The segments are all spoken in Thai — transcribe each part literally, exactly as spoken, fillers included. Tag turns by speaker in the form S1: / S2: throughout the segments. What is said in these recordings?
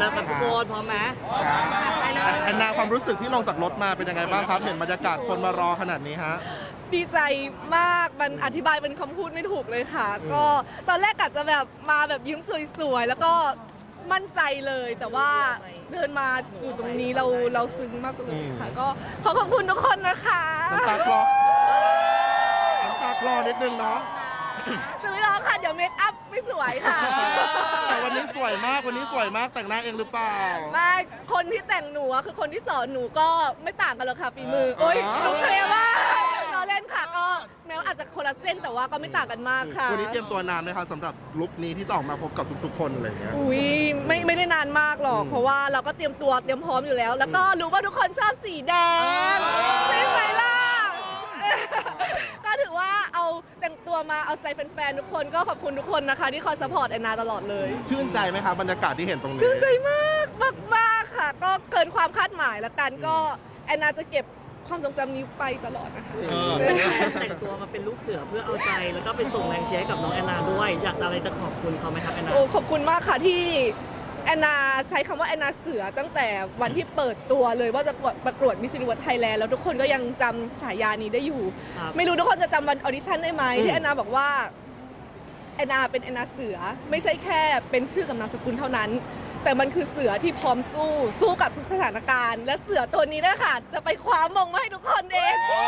S1: แล้วครับทุกคนพร้อมไหม
S2: แอนนาความรู้สึกที่ลงจากรถมาเป็นยังไงบ้างครับ เห็นบรรยากาศคนมารอขนาดนี้ฮะ
S3: ดีใจมากมันอธิบายเป็นคำพูดไม่ถูกเลยค่ะ ก็ตอนแรกอาจจะแบบมาแบบยิ้มสวยๆ แล้วก็มั่นใจเลย แต่ว่าเดินมาอยู่ตรงนี้เราเราซึ้งมากเลยค่ะ ก็ขอขอบคุณทุกคนนะคะ
S2: น้ำตาคลอน้ำตาคลอนิดนึงเนาะ
S3: จะไม่ร้องค่ะ เดี๋ยวเมคอัพไม่สวยค่ะ
S2: แต่วันนี้สวยมาก วันนี้สวยมากแต่งหน้าเองหรือเปล่า
S3: ไม่คนที่แต่งหนูอะคือคนที่สอนหนูก็ไม่ต่างกันหรอกค่ะฝีมือโอ๊ย
S2: อ๋อ
S3: หนูเคลมว่าเราเล่นค่ะก็แม้ว่าอาจจะคนละเส้นแต่ว่าก็ไม่ต่างกันมากค่ะ
S2: วันนี้เตรียมตัวนานไหมคะสำหรับลุคนี้ที่จะออกมาพบกับทุกๆคนอะไรอย่างเงี้ย
S3: อุ้ยไม่ไม่ได้นานมากหรอก
S2: อืม
S3: เพราะว่าเราก็เตรียมตัวเตรียมพร้อมอยู่แล้ว แล้วก็รู้ว่าทุกคนชอบสีแดงใช่ไหมล่ะ ก็ถือว่าเอาแต่งตัวมาเอาใจแฟนๆทุกคนก็ขอบคุณทุกคนนะคะ ที่คอยสปอร์ตแอนนาตลอดเลย
S2: ชื่นใจไหมคะบรรยากาศที่เห็นตรงนี้
S3: ชื่นใจมากมากมากค่ะ ก็เกินความคาดหมายแล้วกันก็แอนนาจะเก็บความทรงจำนี้ไปตลอดนะคะ
S1: แต่งตัวมาเป็นลูกเสือเพื่อเอาใจแล้วก็เป็นส่งแรงเชียร์ให้กับน้องแอนนาด้วยอยากอะไรจะขอบคุณเขาไหมครับแอนนา
S3: โอ้ขอบคุณมากค่ะที่แอนนาใช้คำว่าแอนนาเสือตั้งแต่วันที่เปิดตัวเลยว่าจะประกวดมิสซิลิเวิร์สไทยแลนด์แล้วทุกคนก็ยังจำฉายานี้ได้อยู่
S1: ครับ
S3: ไม่รู้ทุกคนจะจำวันออดิชั่นได้ไหม
S2: อืม
S3: ที่แอนนาบอกว่าแอนนาเป็นแอนนาเสือไม่ใช่แค่เป็นชื่อกับนามสกุลเท่านั้น แต่มันคือเสือที่พร้อมสู้สู้กับทุกสถานการณ์ และเสือตัวนี้นะคะจะไปคว้ามงมาให้ทุกคนเอง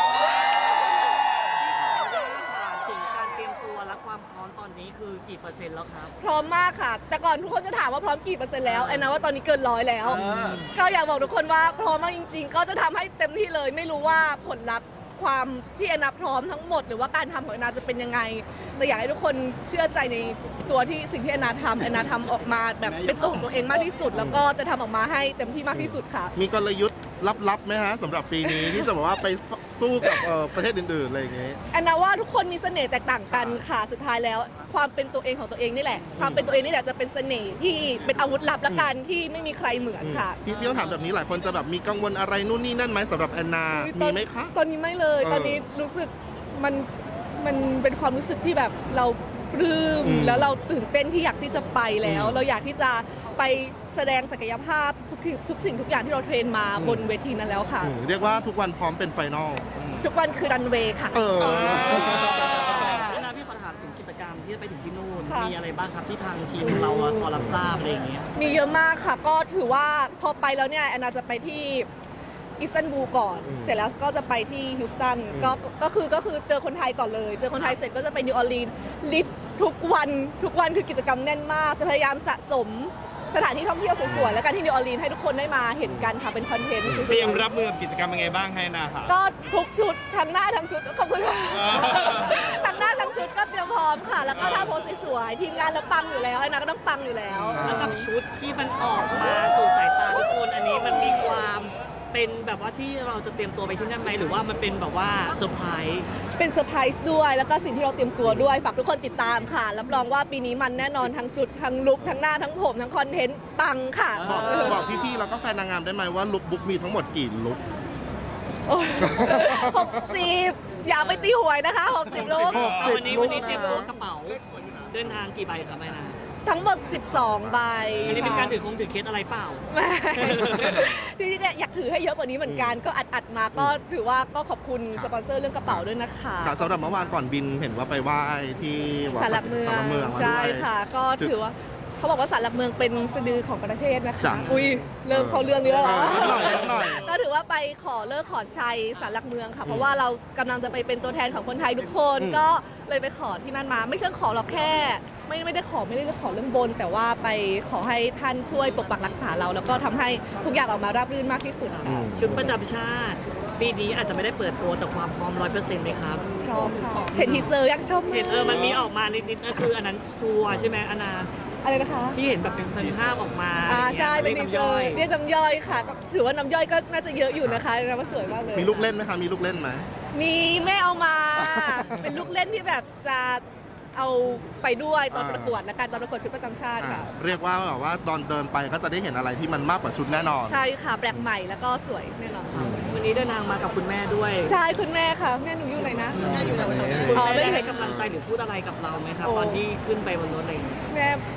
S1: ถึงการเตรียมตัวและความพร้อมตอนนี้คือกี่เปอร์เซ็นต์แล้วครับ
S3: พร้อมมากค่ะ แต่ก่อนทุกคนจะถามว่าพร้อมกี่เปอร์เซ็นต์แล้วแอนนาว่าตอนนี้เกินร้อยแล้ว ก็อยากบอกทุกคนว่าพร้อมมากจริง ๆ ก็จะทำให้เต็มที่เลย ไม่รู้ว่าผลลัพธ์ความที่แอนนาพร้อมทั้งหมด หรือว่าการทำของแอนนาจะเป็นยังไง แต่อยากให้ทุกคนเชื่อใจในตัวที่สิ่งที่แอนนาทำแอนนาทำออกมาแบบเป็นตัวของตัวเองมากที่สุด แล้วก็จะทำออกมาให้เต็มที่มากที่สุดค่ะ
S2: มีกลยุทธ์ลับๆไหมฮะสำหรับปีนี้ ที่จะบอกว่าไปสู้กับเอ่อประเทศอื่นๆอะไรอย่างเงี้ย
S3: แอนนาว่าทุกคนมีเสน่ห์แตกต่างกันค่ะ สุดท้ายแล้วความเป็นตัวเองของตัวเองนี่แหละ ความเป็นตัวเองนี่แหละจะเป็นเสน่ห์ที่เป็นอาวุธลับละกันที่ไม่มีใครเหมือนค่ะ
S2: พี่พี่ต้องถามแบบนี้หลายคนจะแบบมีกังวลอะไรนู่นนี่นั่นไหมสำหรับแอนนา
S3: ต
S2: มี
S3: อน
S2: ไหมคะ
S3: ตอนนี้ไม่เลย
S2: เออ
S3: ตอนนี้รู้สึกมันมันเป็นความรู้สึกที่แบบเราปลื้ม
S2: อืม
S3: แล้วเราตื่นเต้นที่อยากที่จะไปแล้ว
S2: อืม
S3: เราอยากที่จะไปแสดงศักยภาพทุกที่ทุกสิ่งทุกอย่างที่เราเทรนมา
S2: อืม
S3: บนเวทีนั้นแล้วค่ะ
S2: อืมเรียกว่าทุกวันพร้อมเป็นไฟนอล
S3: ทุกวันคือรันเวย์ค่ะ
S2: เออ
S1: แอนนาพี่ขอถามถึงกิจกรรมที่จะไปถึงที่นู่น
S3: ค่ะ
S1: มีอะไรบ้างครับที่ทางทีมเราอะพอรับทราบอะไรอย่างเงี้ย
S3: มีเยอะมากค่ะ ก็ถือว่าพอไปแล้วเนี่ยแอนนาจะไปที่อิสตันบูลก่อน
S2: อืม
S3: เสร็จแล้วก็จะไปที่ฮิวสตัน
S2: อืม
S3: ก็ก็คือก็คือเจอคนไทยก่อนเลย เจอคนไทยเสร็จก็จะไปนิวออร์ลีนส์ลิสทุกวันทุกวันคือกิจกรรมแน่นมาก จะพยายามสะสมสถานที่ท่องเที่ยวสวยๆ แล้วกันที่นิวออร์ลีนส์ให้ทุกคนได้มาเห็นกันค่ะเป็นคอนเทนต์สวย
S4: เตรียมรับมือกับกิจกรรมยังไงบ้างให้นาครับ
S3: ๆก็ทุกชุดทั้งหน้าทั้งชุดขอบคุณค่ะทั้งหน้าทั้งชุดก็เตรียมพร้อมค่ะ แล้วก็ถ้าโพสสวยๆทีมงานเราปังอยู่แล้วไอ้นาก็ต้องปังอยู่แล้ว
S1: แล้วกับชุดที่มันออกมาสู่สายตาทุกคนอันนี้มันมีความเป็นแบบว่าที่เราจะเตรียมตัวไปที่นั่นไหมหรือว่ามันเป็นแบบว่าเซอร์ไพรส์
S3: เป็นเซอร์ไพรส์ด้วยแล้วก็สิ่งที่เราเตรียมตัวด้วยฝากทุกคนติดตามค่ะ รับรองว่าปีนี้มันแน่นอนทั้งชุดทั้งลุคทั้งหน้าทั้งผมทั้งคอนเทนต์ปังค่ะ
S2: บอกบอกพี่ๆแล้วก็แฟนนางงามได้ไหมว่าลุคบุ๊กมีทั้งหมดกี่ลุค
S3: หกสิบอย่าไปตีหวยนะคะหกสิบลุค
S2: หกสิบ
S1: เอาวันนี้วันนี้เตรียมตัวกระเป๋าเดินทางกี่ใบครับแม่นา
S3: ทั้งหมดสิบสองใบ
S1: อันนี้เป็นการถือคงถือเคสอะไรเปล่า
S3: ไม่ที่จริงๆอยากถือให้เยอะกว่านี้เหมือนกันก็อัดอัดๆมาก็ถือว่าก็ขอบคุณสปอนเซอร์เรื่องกระเป๋าด้วยนะคะ
S2: ค่ะสำหรับเมื่อวานก่อนบินเห็นว่าไปไหว้ที่วัด
S3: ศาลหลักเมือง
S2: ศาลหลักเมืองมาด้วย
S3: ใช่ค่ะ ก็ถือว่าเขาบอกว่าศาลหลักเมืองเป็นสะดือของประเทศนะคะ
S2: จ้ะ
S3: อุ้ยเริ่มเข้าเรื่องนี้แล้วเหรอ
S2: เออนิดหน่อยนิดหน่อย
S3: ก็ถือว่าไปขอเลิกขอชัยศาลหลักเมืองค่ะ เพราะว่าเรากำลังจะไปเป็นตัวแทนของคนไทยทุกคน
S2: อืม
S3: ก็เลยไปขอที่นั่นมา ไม่เชิงขอหรอกแค่ ไม่ไม่ได้ขอไม่ได้ขอเรื่องบน แต่ว่าไปขอให้ท่านช่วยปกปักรักษาเรา แล้วก็ทำให้ทุกอย่างออกมาราบรื่นมากที่สุด
S2: อื
S3: ค่ะ
S2: ม
S1: ชุดประจำชาติ ปีนี้อาจจะไม่ได้เปิดตัวแต่ความพร้อมร้อยเปอร์เซ็นต์ไหมครับ
S3: พร้อมค่ะเห็นทีเซอร์อยากชอบมาก
S1: เห็นเออมันมีออกมานิดๆก็คืออันนั้นทัวร์ใช่ไหมอนา
S3: อะไรนะคะ
S1: ที่เห็นแบบเป็นภาพออกมา
S3: อ่าใช่เป็น
S1: รี
S3: ที
S1: ยก
S3: เซอ
S1: น้ำย่อ
S3: ร์
S1: ย
S3: เรียกน้ำย่อยค่ะก็ถือว่าน้ำย่อยก็น่าจะเยอะอยู่นะคะนะว่าสวยมากเลย
S2: มีลูกเล่นไหมคะมีลูกเล่นไหม
S3: มีแม่เอามา เป็นลูกเล่นที่แบบจะเอาไปด้วยตอน
S2: อ่า
S3: ประกวดและการตอนประกวดชุดประจำชาติ
S2: อ่า
S3: ค่ะ
S2: เรียกว่าแบบว่าตอนเดินไปก็จะได้เห็นอะไรที่มันมากกว่าชุดแน่นอน
S3: ใช่ค่ะแปลกใหม่แล้วก็สวยแน่นอนค่ะ
S1: วันนี้เดินทางมากับคุณแม่ด้วย
S3: ใช่คุณแม่ค่ะแม่หนูอยู่ไหนนะ
S1: คุณ
S3: อ๋อ
S1: แม่
S3: ไม่
S1: ได้
S3: เห็
S1: ให้
S3: น
S1: กำลังใจหรือพูดอะไรกับเราไหมครับ
S3: โอ้
S1: ตอนที่ขึ้นไปบนรถอะไรอย่างเงี้ย
S3: แม่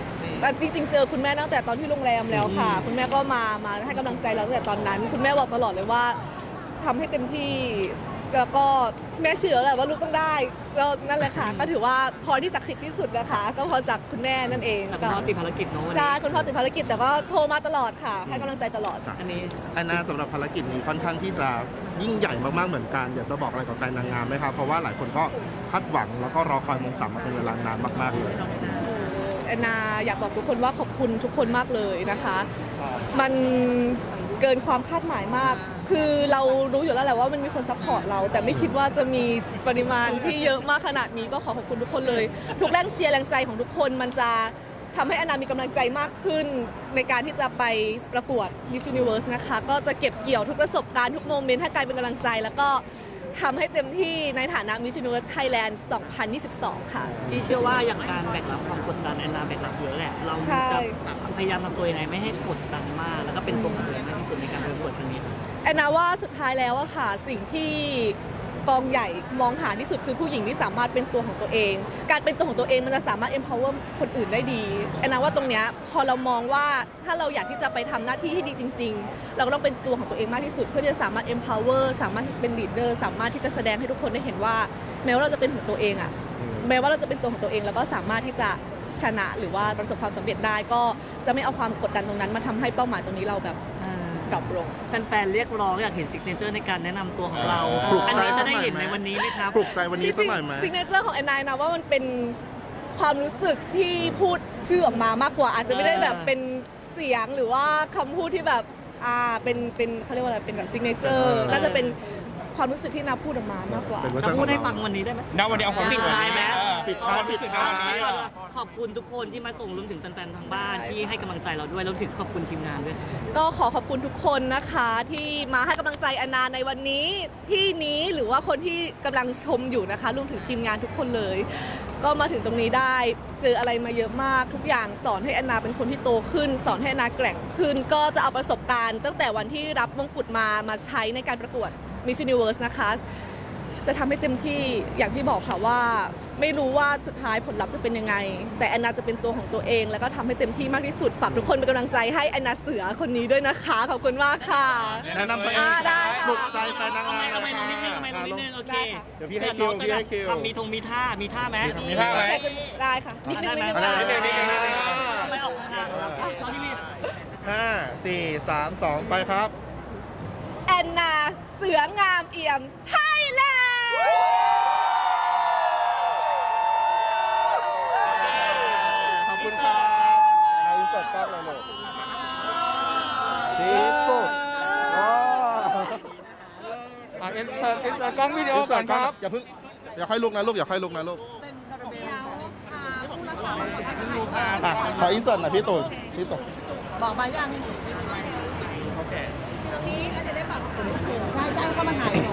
S3: แต่จริงๆเจอคุณแม่ตั้งแต่ตอนที่โรงแรมแล้วค่ะ คุณแม่ก็มามาให้กำลังใจเราตั้งแต่ตอนนั้น คุณแม่บอกตลอดเลยว่าทำให้เต็มที่แล้วก็แม่เชื่อแหละว่าลูกต้องได้แล้วนั่นแหละค่ะ ก็ถือว่าพรที่ศักดิ์สิทธิ์ที่สุดนะคะ ก็พรจากคุณแม่นั่นเอง
S1: แต่คุณพ่อติดภารกิจเนาะวัน
S3: ใช่
S1: นี้
S3: คุณพ่อติดภารกิจแต่ก็โทรมาตลอดค่ะ ให้กำลังใจตลอด
S1: อันนี้
S2: แอนนาสำหรับภารกิจนี้ค่อนข้างที่จะยิ่งใหญ่มากๆเหมือนกันอยากจะบอกอะไรกับแฟนนางงามไหมครับเพราะว่าหลายคนก็คาดหวังแล้วก็รอคอยมงสามมาเป็นเวลานานมากๆเลย
S3: แอนนาอยากบอกทุกคนว่าขอบคุณทุกคนมากเลยนะคะ มันเกินความคาดหมายมาก คือเรารู้อยู่แล้วแหละว่ามันมีคนซัพพอร์ตเรา แต่ไม่คิดว่าจะมีปริมาณที่เยอะมากขนาดนี้ก็ขอขอบคุณทุกคนเลย ทุกแรงเชียร์แรงใจของทุกคนมันจะทำให้แอนนามีกำลังใจมากขึ้นในการที่จะไปประกวด Miss Universe นะคะ ก็จะเก็บเกี่ยวทุกประสบการณ์ทุกโมเมนต์ให้กลายเป็นกำลังใจ แล้วก็ทำให้เต็มที่ในฐานะ Miss Universe Thailand สองพันยี่สิบสอง ค่ะ
S1: ที่เชื่อว่าอย่างการแบกรับความกดดันแอนนาแบกรับเยอะแหละ เรา
S3: ใช่
S1: จะพยายามทำตัวยังไงไม่ให้กดดันมาก แล้วก็เป็นตัวของตัวเองมากที่สุดในการประกวดครั้งนี้ครับ
S3: แอนนาว่าสุดท้ายแล้วอะค่ะสิ่งที่กองใหญ่มองหาที่สุดคือผู้หญิงที่สามารถเป็นตัวของตัวเอง การเป็นตัวของตัวเองมันจะสามารถ empower คนอื่นได้ดีแอนนาว่าตรงเนี้ยพอเรามองว่าถ้าเราอยากที่จะไปทำหน้าที่ที่ดีจริง ๆ เราก็ต้องเป็นตัวของตัวเองมากที่สุด เพื่อที่จะสามารถ empower สามารถที่จะเป็น leader สามารถที่จะแสดงให้ทุกคนได้เห็นว่า แม้ว่าเราจะเป็นของตัวเองอะแม้ว่าเราจะเป็นตัวของตัวเองแล้วก็สามารถที่จะชนะหรือว่าประสบความสำเร็จได้ก็จะไม่เอาความกดดันตรงนั้นมาทำให้เป้าหมายตรงนี้เราแบบดรอปลง
S1: แฟนๆเรียกร้องอยากเห็นซิกเนเจอร์ในการแนะนำตัวของเรา
S2: ปลุก
S1: อัน
S2: ใจ
S1: นี้จะ
S2: สัก
S1: ได้
S2: หน่อย
S1: เห็น
S2: ไหม
S1: ในวันนี้ไหมครับ
S2: ปลุกใจวันนี้สักหน่อยไหม
S3: ซิกเนเจอร์ของแอนนายนะว่ามันเป็นความรู้สึกที่พูดชื่อออกมามากกว่า อาจจะไม่ได้แบบเป็นเสียงหรือว่าคำพูดที่แบบอ่าเป็นเป็นเขาเรียกว่าอะไรเป็นแบบซิกเนเจอร์น่าจะเป็นความรู้สึกที่นาพูดออกมามากกว่า
S2: เป็นเวอร์
S1: จะ
S2: ชันข
S1: พู
S2: อ
S1: ด
S2: ง
S1: ให้
S2: เรา
S1: ฟังวันนี้ได้ไหม
S4: ณวันนี้เอาความ
S1: ปิดท้ายไหม
S4: เออ
S2: ปิดท้าย
S4: เอควมรู้สึก
S2: ปิดท้าย
S4: ในวันนี้
S1: ขอบคุณทุกคนที่มาส่งรวมถึงแฟนๆทางบ้านที่ให้กำลังใจเราด้วยรวมถึงขอบคุณทีมงานด้วยครับ
S3: ก็ขอขอบคุณทุกคนนะคะที่มาให้กำลังใจแอนนาในวันนี้ที่นี้หรือว่าคนที่กำลังชมอยู่นะคะรวมถึงทีมงานทุกคนเลย ก็มาถึงตรงนี้ได้เจออะไรมาเยอะมาก ทุกอย่างสอนให้แอนนาเป็นคนที่โตขึ้น สอนให้แอนนาแกร่งขึ้น ก็จะเอาประสบการณ์ตั้งแต่วันที่รับมงกุฎมามาใช้ในการประกวด Miss Universe นะคะจะทำให้เต็มที่อย่างที่บอกค่ะว่าไม่รู้ว่าสุดท้ายผลลัพธ์จะเป็นยังไง แต่แอนนาจะเป็นตัวของตัวเอง แล้วก็ทำให้เต็มที่มากที่สุดฝากทุกคนเป็นกำลังใจให้แอนนาเสือคนนี้ด้วยนะคะขอบคุณมากค่ะ
S2: แนะนำตัวเอง
S3: อ่าได้ค่ะ
S2: ปลุกใจแฟนนาง
S1: เอา
S2: งา
S1: ไหม
S2: ม
S1: เอาไหมน้องนิดนึงเอาไหมน้องนิดนึงโอเค
S2: เดี๋ยวพี่ให้คิวพี่ให้คิว
S1: ทำมีทงมีท่ามีท่าไหม
S4: มีท่าไหม
S3: ได้ค่ะนิดนึงนิดนึง
S2: ได้
S3: ได้
S2: ได้ได้ได้
S1: ไม่ออกข้างครับตอนที่มี
S2: ห้าสี่สามสองไปครับ
S3: แอนนาเสืองามเอี่ยมไทยแลนด์
S2: ขอบคุณครับในที่สุดก็เลยลูกที่สุดอ๋อ
S4: อ่ะเอ็นเสิร์ตเอ็นเสิร์ตกล้องวิดีโอก่อนครับ
S2: อย่าเพิ่งอย่าค่อยลุกนะลูกอย่าค่อยลุกนะลูกอ่ะขออินเสิร์ตหน่อยพี่ตูนพี่ตูน
S5: บอกมายัง
S4: โอเค
S5: ใช่ใช่ก็มาถ่าย